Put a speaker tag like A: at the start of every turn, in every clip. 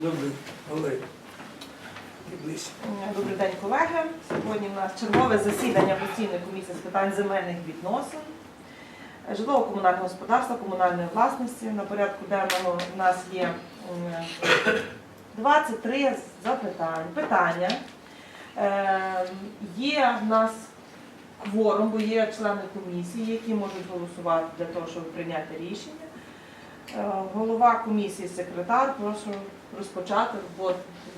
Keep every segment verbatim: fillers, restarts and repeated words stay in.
A: Добрий, Олег.
B: Добрий день, колеги. Сьогодні у нас чергове засідання постійної комісії з питань земельних відносин, житлово-комунального господарства, комунальної власності. На порядку денному у нас є двадцять три запитання. Питання. Є в нас кворум, бо є члени комісії, які можуть голосувати для того, щоб прийняти рішення. Голова комісії, секретар, прошу розпочати роботу.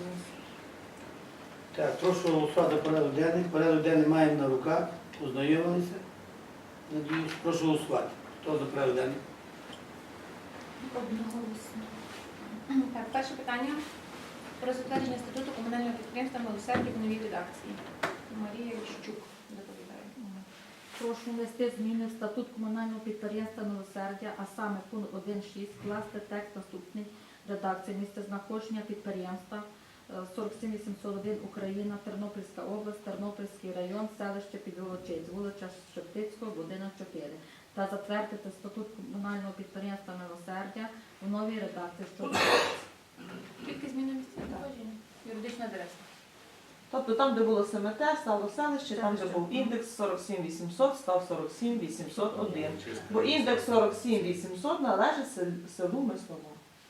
A: Так, прошу голосувати порядок денний. Порядок денний маємо на руках, ознайомилися. Надіюсь, прошу голосувати. Хто за порядок денний?
C: Одноголосно. Так, перше питання про затвердження статуту комунального підприємства «Милосердя» в новій редакції. Марія Віщук доповідає.
D: Прошу внести зміни в статут комунального підприємства «Милосердя», а саме пункт один шість, вкласти текст наступний редакції: місце знаходження підприємства сорок сім вісімсот один Україна, Тернопільська область, Тернопільський район, селище Підволочиць, вулиця Шептицького, будинок чотири. Та затвердити статут комунального підприємства «Милосердя» в новій редакції, що
C: Тільки зміни місця знаходження. Юридична адреса.
B: Тобто там, де було СМТ, стало селище, там, де був індекс сорок сім вісімсот, став сорок сім вісімсот один. Бо індекс сорок сім вісімсот належить селу Мислово.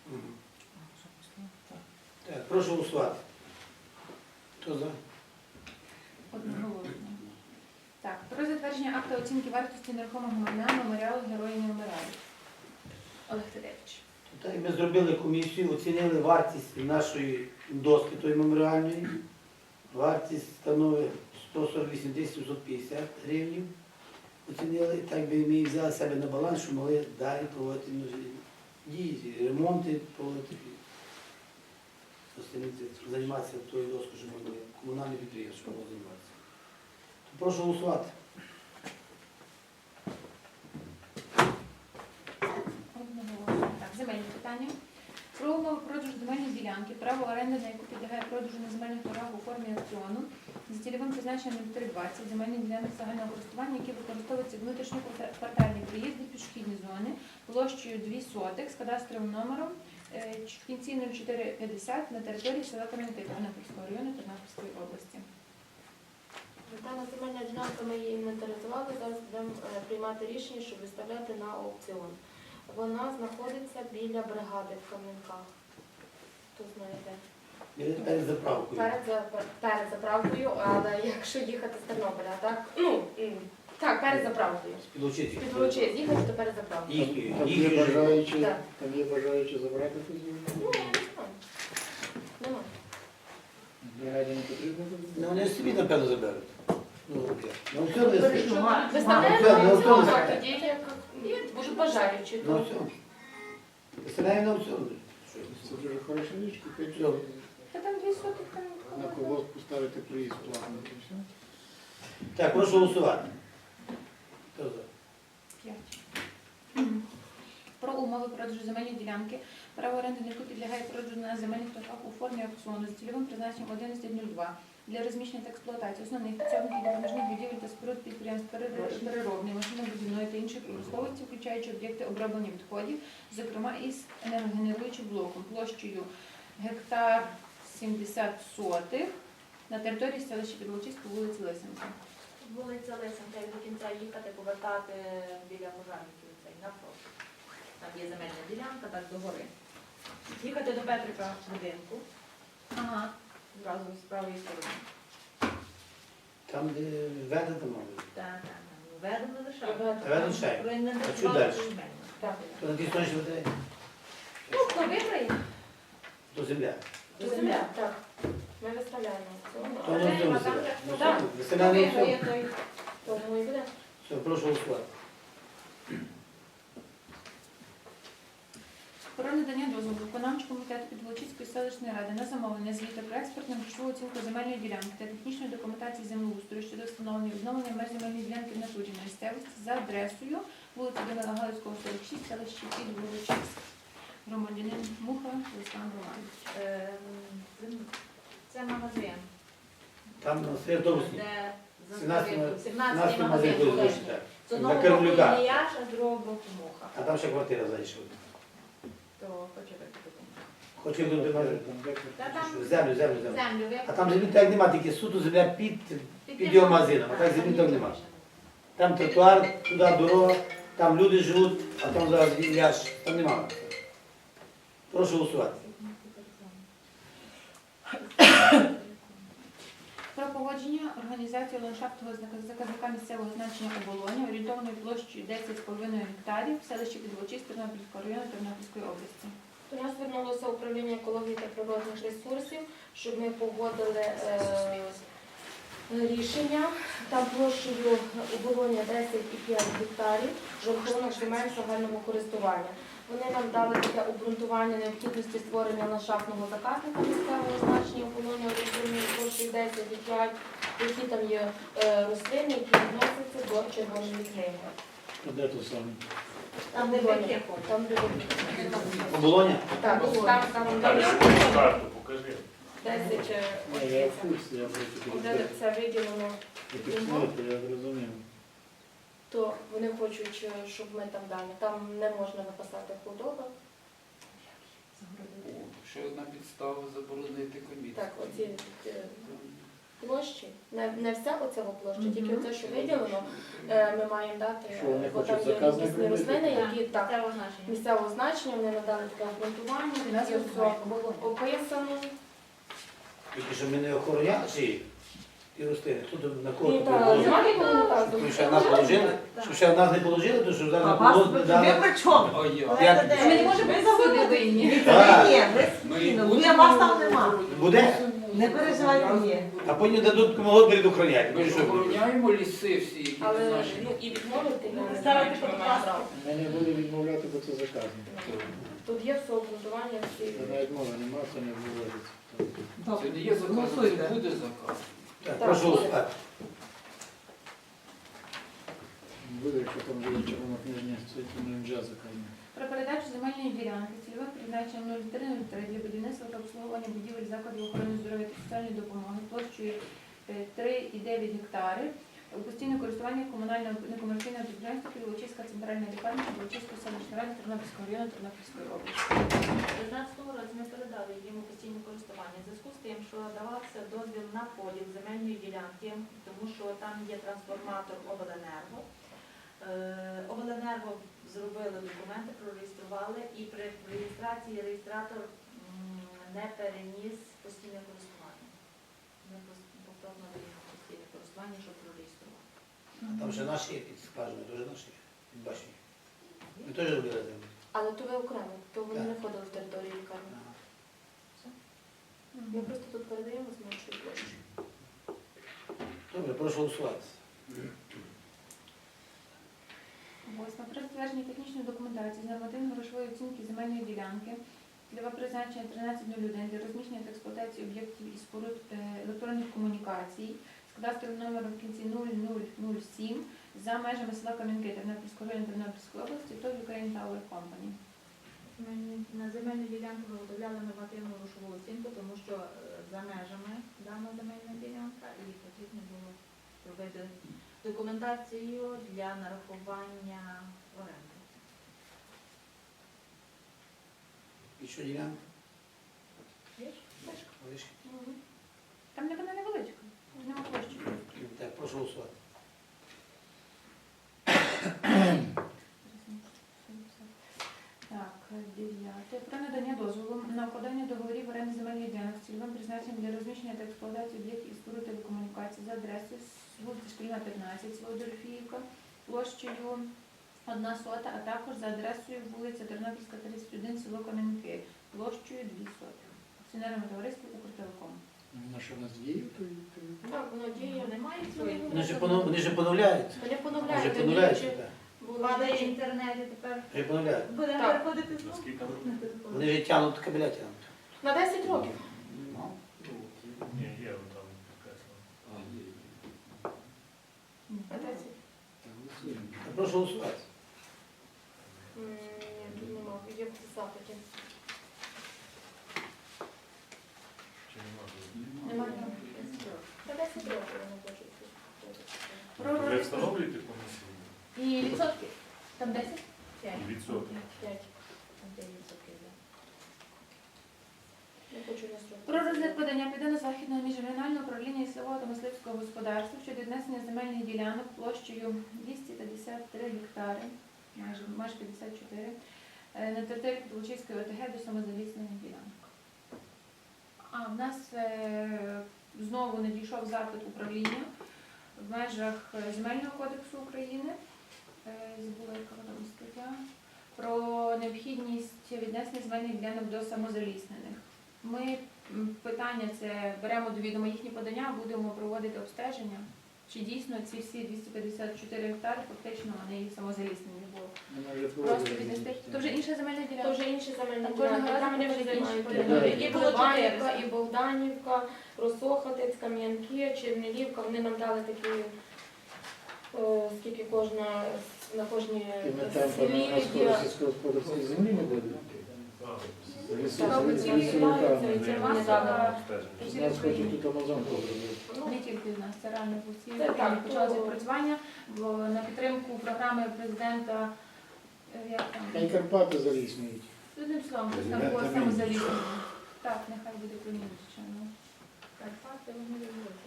A: Так, прошу голосувати. Хто за?
C: Одноголосно. Так, про затвердження акта оцінки вартості нерухомого майна меморіалу Герої не вмирають. Олег Тедевич.
A: Так, ми зробили комісію, оцінили вартість нашої доски, тої меморіальної. Вартість становить сто сорок вісім тисяч сімсот п'ятдесят гривень. Оцінили, так би ми взяли себе на баланс, щоб могли далі проводити дії, ремонти проводити. Займатися тою доскою, щоб ми комунальне підприємство могло займатися. Прошу голосувати.
C: Одноголосно. Так, земельні питання. Про умови продажу земельної ділянки, право оренди, на яку підлягає продажу на земельних торгах у формі аукціону, за цільовим призначенням три двадцять земельних ділянок загального користування, які використовуються внутрішньоквартальні приїзди, пішохідні зони, площею дві сотих з кадастровим номером в кінці нуль чотири п'ятдесят на території села Кам'янки Тернопільського району Тернопільської області.
E: Дана земельна ділянка, ми її інвентаризували, зараз будемо приймати рішення, щоб виставляти на аукціон. Вона знаходиться біля бригади в Кам'янках. Хто знає де?
A: Перед заправкою.
E: Перед, за- перед заправкою, але якщо їхати з Тернополя, так? Ну, м, так, перед заправкою.
A: Підлучити.
E: Підволочиць, їхати, то перед заправкою.
A: Їхньою.
F: Там є
A: Їхньою.
F: бажаючі,
E: Так.
F: там є бажаючі забрати цю землю?
E: Ну, я не знаю. Нема.
F: Бригаді не потрібно?
A: Ну, вони собі, напевно, заберуть. Ну, окей. На аукціон не
B: Перейшли.
A: скажу.
E: Виставляємо
A: на
E: на аукціон,
A: аукціон.
E: а тоді як є, може бажаючі.
A: На
E: то-
A: аукціон. Виставляємо на аукціон.
F: Це дуже хороша річ, купити
A: Все.
C: Та там дві сотих там.
F: на колгосп поставити проїзд платний і все.
A: Так, прошу голосувати. Хто за?
C: П'ять. Про умови продажу земельної ділянки, право оренди на яку підлягає продажу на земельних торгах у формі аукціону за цільовим призначенням одинадцять нуль два для розміщення та експлуатації основних підсобних і допоміжних будівель та споруд підприємств перер- переробної, машинобудівної та інших промисловості, включаючи об'єкти оброблення відходів, зокрема із енергогенеруючим блоком площею гектар сімдесят сотих на території селища Підволочиськ по вулиці Лисенка.
E: Вулиця Лисенка, як до кінця їхати, повертати біля пожарників цей навпроти. Там є земельна ділянка, так до гори. Їхати до Петрика будинку,
C: Ага.
E: зразу з правої сторони.
A: Там, де веде там мабуть.
E: Так, так, так. Ведемо лише.
A: Ведемо ще. А що далі?
E: Так.
A: То на тій стороні що веде?
E: Ну, хто виграє?
A: То земля.
E: До земля, так. Ми виставляємо.
A: То на аукціон
E: Так,
A: земля.
E: так. Хто
A: Виставляємо на
E: виграє,
A: аукціон.
E: той тому і буде.
A: Все, прошу голосувати.
C: Про надання дозволу виконавчого комітету Підволочиської селищної ради на замовлення звіту про експертну грошову оцінку земельної ділянки та технічної документації землеустрою щодо встановлення і відновлення меж земельної ділянки в натурі на місцевості за адресою вулиця Данила Галицького, сорок шість, селище Підволочиськ. Громадянин Муха Олександр Романович.
E: Ем, Це магазин,
A: Там на свій автобусні.
E: де
A: сімнадцятий
E: сімнадцятий
A: магазин
E: магазин
A: буде
E: колишній.
A: звучити, так.
E: З одного
A: На
E: боку
A: Кирлюка.
E: Іліяш, а з другого боку Муха.
A: А там ще квартира зайшла.
E: То почекайте.
A: Хоче до тебе.
F: Там де
C: Та там
A: Землю, землю, землю.
C: землю. ви-
A: А там землі так нема, тільки суто земля під, під його магазином, а так землі так нема. Там тротуар, туди дорога, там люди живуть, а там зараз ляж, там нема. Прошу голосувати.
C: Про погодження організації ландшафтного знака- заказника місцевого значення оболоня орієнтованою площею десять з половиною гектарів в селищі Підволочиськ Тернопільського району Тернопільської області.
E: До нас звернулося управління екології та природних ресурсів, щоб ми погодили е, рішення. Там площею оболоня десять і п'ять гектарів за рахунок земель загального користування. Вони нам дали таке обґрунтування необхідності створення ландшафтного заказника місцевого значення оболоня орієнтовною площею десять і п'ять, які там є е, рослини, які відносяться до червоної книги.
F: А де то саме?
E: Там де вони. Там де вони.
A: Оболоня?
E: Так, там, там,
G: Далі
E: там
G: карту покажи.
E: десять е,
F: Ні, я в курсі, я просто
E: де це виділено,
F: підсмотрю, я зрозумів.
E: то вони хочуть, е, щоб ми там далі. Там не можна написати худоба.
H: Ще одна підстава заборонити комісію.
E: Так, оці е, площі, не, не вся оця площа,
B: Мгм.
E: тільки оце, що виділено, е, ми маємо дати,
F: Що вони
E: бо там
F: хочуть
E: є
F: заказник
E: якісні
F: робити?
E: рослини, які так,
C: Це означення.
E: місцевого значення, вони надали таке обґрунтування, у нас є все описано.
A: Тільки що ми не охороняли ці ті рослини. Хто тут на кого
E: Ні,
A: тут
E: та,
A: положили?
E: немає нікого не так.
A: Щоб ще нас положили? Щоб ще нас не положили, то що
B: А
A: зараз
B: вас
A: було
B: ви
A: дали.
B: при чому?
H: Ой, я.
A: Як?
C: Ми не можемо всюди винні.
B: Ні,
A: Так.
B: ні, ви
H: Ми
B: спокійно,
H: будемо-
B: ви вас там нема.
A: Буде?
B: Не переживайте, ні.
A: А потім дадуть кому говорить охороняти.
H: Ми
A: Ну,
H: ж
A: що буде?
H: охороняємо ліси всі, які не
E: Але
H: наші.
E: ну, і відмовити я не
C: Ставити
E: знаю, чи ми
C: під
E: маємо
C: ласка.
E: право.
F: Ми не будемо відмовляти, бо це заказник.
E: Тут є все обґрунтування, всі.
F: Це навіть мови нема, це не виводиться.
H: Це не є заказ,
B: Голосуйте.
H: це буде заказ.
A: Так, прошу голосувати.
F: Буде, якщо там буде червона книжня, це не вже заказник.
C: Про передачу земельної ділянки цільовим призначенням нуль три нуль три для будівництва та обслуговування будівель закладів охорони здоров'я та соціальної допомоги площею е, три і дев'ять гектарів у постійне користування комунального некомерційного підприємства Підволочиська центральна лікарня Підволочиської селищної ради Тернопільського району Тернопільської області.
D: У дев'ятнадцятому році ми передали йому постійне користування в зв'язку з тим, що давався дозвіл на поділ земельної ділянки, тому що там є трансформатор обленерго. Е, Обленерго зробили документи, прореєстрували, і при реєстрації реєстратор м, не переніс постійне користування. Ми пос- повторно даємо постійне користування, щоб прореєструвати.
A: А там ще наші є під скважиною, теж наші є, під башнею. Ми теж робили землю.
E: Але то ви окремо, то вони
A: Так.
E: не входили в територію лікарні.
A: Ага.
E: Ми просто тут передаємо з меншою площею.
A: Добре, прошу голосувати.
C: Восьме. Про затвердження технічної документації з нормативно-грошової оцінки земельної ділянки цільове призначення тринадцять нуль один для розміщення та експлуатації об'єктів і споруд е, електронних комунікацій з кадастровим номером в кінці нуль нуль нуль сім за межами села Кам'янки Тернопільського району Тернопільської області то Ukraine Tower Company.
D: Ми на земельну ділянку виготовляли нормативну грошову оцінку, тому що е, за межами дана земельна ділянка і потрібно було робити документацію для нарахування оренди.
A: І що ділянка?
E: Бачиш?
A: Лише.
C: Там не вона невеличка, нема площі.
A: Так, прошу голосувати.
C: Так, дев'яте. Про надання дозволу на укладання договорів оренди земельних ділянок з цільовим призначенням для розміщення та експлуатації об'єктів і споруд телекомунікацій за адресою з вулиці Шкільна, п'ятнадцять, село Дорофіївка, площею одна сота, а також за адресою вулиця Тернопільська, тридцять один, село Кам'янки, площею дві соти. Акціонерному товариству Укртелеком.
F: На що в нас діє, то і- то і-
E: Так, воно діє.
D: Немає
A: Вони ж поно- вони ж поновляють.
E: Вони
A: Вони ж
E: поновляють.
A: поновляють.
E: раніше
A: так.
E: було
D: Падає в
E: діє.
D: інтернеті тепер.
A: Вже поновляють.
D: Будемо
E: Так.
D: переходити знову.
G: Наскільки?
A: Вони ж тягнуть кабеля тягнуть.
E: На десять років.
A: Ну.
G: Ні, є там підкреслено.
H: А, є.
E: На десять.
F: Та голосуємо.
A: Так, прошу голосувати.
E: М, Ні, тут нема. Є в запиті.
G: Чи нема?
E: Немає. На десять років вони хочуть.
C: Про
G: Ви
C: розпис-
G: встановлюєте комісію?
C: І відсотки. Там десять?
G: І відсотки.
E: П'ять.
D: Там де є відсотки, да.
C: Про розгляд подання Південно-Західного міжрегіонального управління лісового та мисливського господарства щодо віднесення земельних ділянок площею двісті п'ятдесят три гектари, майже, майже п'ятдесят чотири, е, на території Підволочиської ОТГ до самозаліснених ділянок. А в нас е, знову надійшов запит управління в межах е, Земельного кодексу України, е, забула, яка вона там стаття, про необхідність віднесення земельних ділянок до самозаліснених. Ми м, питання це беремо до відома їхні подання, будемо проводити обстеження. Чи дійсно ці всі двісті п'ятдесят чотири гектари фактично вони їх самозаліснені, бо
F: Вона вже
C: просто
F: проводила
C: віднести.
F: візит.
C: То вже інша земельна
E: То
C: ділянка.
E: вже інші земельні
C: Там кожного
E: ділянки,
C: разу
E: там вони вже
C: проходять інші
E: займають
F: подання.
E: території. І
C: Було
E: Колобанівка,
C: чотири.
E: і Богданівка, Росохатець, Кам'янки, Чернелівка. Вони нам дали такі, е, скільки кожна, на кожній
F: І ми там
E: селі
F: на
E: є.
F: скоро сільськогосподарської землі не буде. Лісу-
E: Так,
F: лісу-
E: ці
F: лісовиками.
E: відбуваються, і це вони дали.
F: З нас хочуть тут Амазонку зробити.
E: Ну,
C: Не тільки в нас, це реально по всій
E: Це
C: Україні
E: так,
C: почалося
E: то-
C: відпрацювання, бо на підтримку програми президента, е, як
F: Та й
C: там,
F: Карпати заліснюють.
C: одним словом, хтось там було самозаліснення. Так, нехай буде примінчено.
E: Карпати, вони роблять.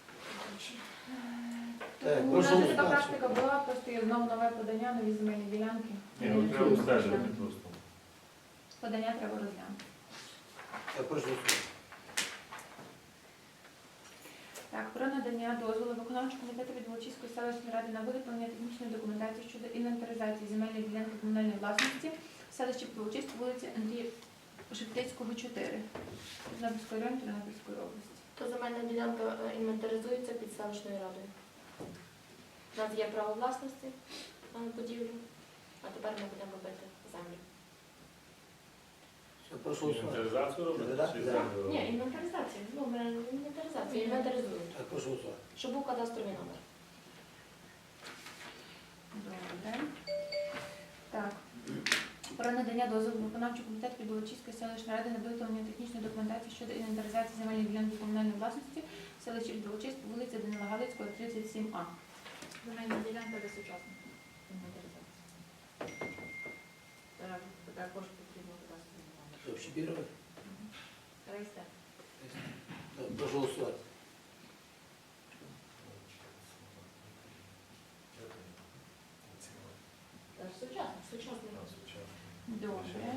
A: Так,
C: Тому у
A: прошу
C: нас вже така
A: голосувати.
C: практика була, просто є знову нове подання, нові земельні ділянки.
G: Ні, ну треба обстежувати просто.
C: Подання треба розглянути.
A: Так, прошу голосувати.
C: Так, про надання дозволу виконавчого комітету від Волочиської селищної ради на виготовлення технічної документації щодо інвентаризації земельної ділянки комунальної власності в селищі Волочиськ, вулиці Андрія Шептицького, чотири, Тернопільської району, Тернопільської області.
E: То земельна ділянка е, інвентаризується під селищною радою. У нас є право власності на будівлю, а тепер ми будемо робити землю.
A: Все, прошу голосувати.
G: Інвентаризацію робити?
A: Да,
G: Чи
A: да.
G: землю?
E: Ні, інвентаризація. Ну, ми інвентаризація, інвентаризують.
A: Так, прошу голосувати.
E: Щоб був кадастровий номер.
C: Добре. Так. Про надання дозволу виконавчого комітету від Волочиської селищної ради на виготовлення технічної документації щодо інвентаризації земельної ділянки комунальної власності в селищі Волочиськ, вулиця Данила Галицького, тридцять сім А.
E: Земельна ділянка без сучасної інвентаризації. Також потрібно кадастровий номер.
A: Що, общепірувати?
E: Реєстр.
A: Так, прошу голосувати.
E: Сучасний. Сучасний.
C: Добре.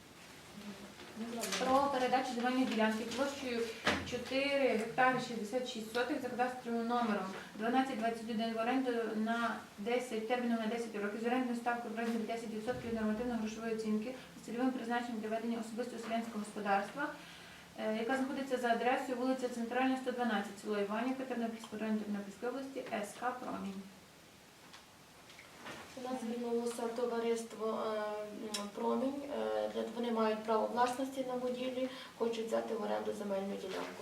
C: Про передачу земельної ділянки площею чотири гектари шістдесят шість сотих за кадастровим номером дванадцять двадцять один в оренду на десять, терміном на десять років з орендною ставкою в розмірі десять відсотків від нормативно-грошової оцінки з цільовим призначенням для ведення особистого селянського господарства, е, яка знаходиться за адресою вулиця Центральна, сто дванадцять, село Іванівка, Тернопільського району Тернопільської області, СК «Промінь».
E: У нас звернулося товариство е, м, «Промінь». Е, для- Вони мають право власності на будівлі, хочуть взяти в оренду земельну ділянку.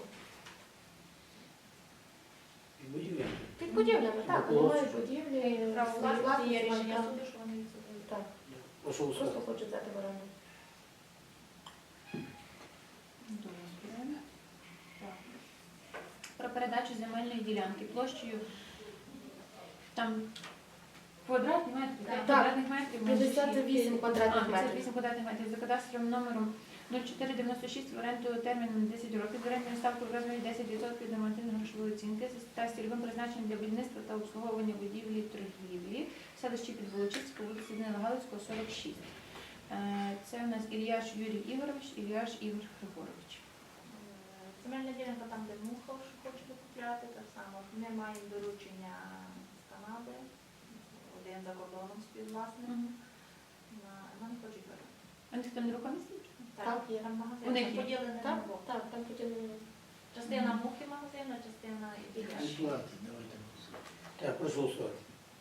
A: І будівля.
E: Під будівлями, так, вони мають
A: Молодці.
E: будівлі,
C: Право
E: свої
C: власності
E: власності,
C: є рішення
E: мають
C: суду,
E: право.
C: що вони відсутні.
E: Так,
A: Прошу
E: просто
A: голосувати.
E: хочуть взяти в оренду.
C: Добре. Так. Про передачу земельної ділянки площею там квадратні метри,
E: Так,
C: квадратних метрів. майже
E: п'ятдесят вісім
C: шість.
E: квадратних
C: А,
E: метрів.
C: п'ятдесят вісім квадратних метрів за кадастровим номером нуль чотири дев'яносто шість в оренду терміном на десять років з орендною ставкою в розмірі десять відсотків від нормативно-грошової оцінки та з цільовим призначенням для будівництва та обслуговування будівлі і торгівлі в селищі Підволочиська, вулиці Данила Галицького, сорок шість. Е, Це у нас Ільяш Юрій Ігорович, Ільяш Ігор Григорович.
I: Земельна ділянка там, де муха хоче купляти, так само. Ми маємо доручення з Канади, один за кордоном співвласник, на- нам хочуть передати.
C: А них там нерухомість?
E: Так, є.
I: Там магазин
C: У них є.
I: поділений на
E: Так,
I: двох.
E: так, там поділено.
I: Частина мухи магазину, частина
A: І
I: ідеальна.
A: платить, давайте. Так, прошу голосувати.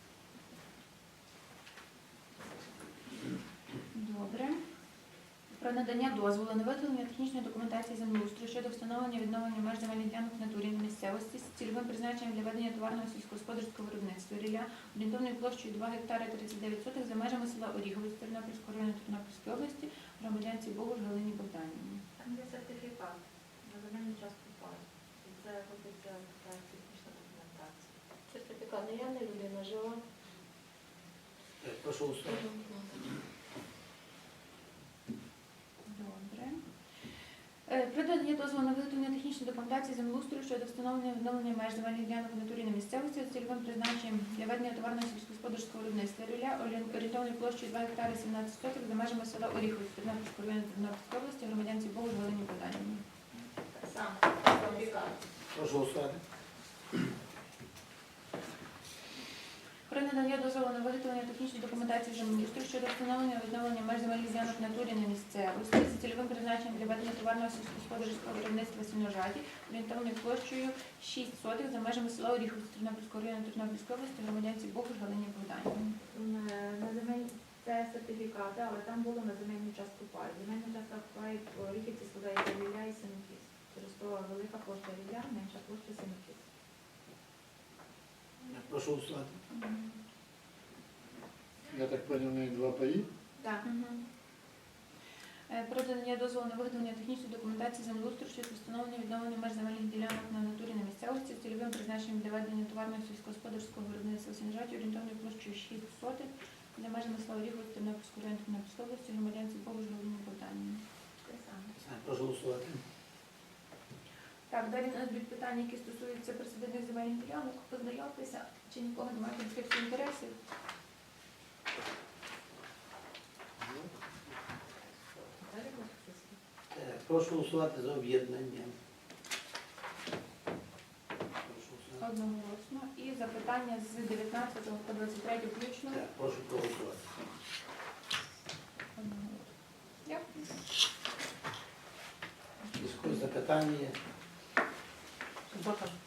C: Добре. Про надання дозволу на виготовлення технічної документації землеустрою щодо встановлення відновлення меж земельних ділянок в натурі на місцевості з цільовим призначенням для ведення товарного сільськогосподарського виробництва рілля орієнтовною площею два гектари тридцять дев'ять сотих за межами села Оріговець Тернопільського району Тернопільської області громадянці Богуш Галині Богданівні.
I: Там є сертифікат на земельну частку паю. І це робиться така технічна документація.
E: Сертифікат наявний, людина жила.
A: Так, прошу голосувати.
C: Добре. Е, Про надання дозволу на виготовлення технічної документації землеустрою щодо встановлення і відновлення меж земельних ділянок в натурі на місцевості з цільовим призначенням для ведення товарного сільськогосподарського виробництва рілля орієнтовною площею два гектари сімнадцять соток за межами села Оріхові Тернопільського району Тернопільської області громадянці Богу Галині Богданівні.
I: Те саме. Сертифікат.
A: Прошу голосувати.
C: Про надання дозволу на виготовлення технічної документації землеустрою щодо встановлення і відновлення меж земельних ділянок в натурі на місцевості з цільовим призначенням для ведення товарного сільськогосподарського виробництва сіножаті орієнтовною площею шість сотих за межами села Оріховці Тернопільського району Тернопільської області громадянці Богуш Галині Богданівні.
I: На- На земель це сертифікати, але там було на земельну частку пай. Земельна частка пай в Оріхівці складається рілля і синокіс. Через то велика площа рілля, менша площа синокіс.
A: Прошу голосувати.
F: Я так понял, у них два паї.
I: Так.
C: Е, Про надання дозволу на виготовлення технічної документації землеустрою щодо встановлення і відновлення меж земельних ділянок на натурі на місцевості з цільовим призначенням для ведення товарного сільськогосподарського виробництва сіножаті орієнтовною площею шість сотих для межами села Оріховці Тернопільського району Тернопільської області громадянці Богуш Галині Богданівні.
I: Те саме.
A: Прошу голосувати.
C: Так, далі у нас будуть питання, які стосуються присадибних земельних ділянок. Познайомтеся, чи нікого немає конфлікту інтересів.
I: Далі буде список.
A: Так, прошу голосувати за об'єднання. Прошу голосувати.
C: Одноголосно. І запитання з дев'ятнадцятого по двадцять третє включно.
A: Так, прошу проголосувати.
C: Одноголосно. Дякую.
A: Якісь запитання є?
B: Субота.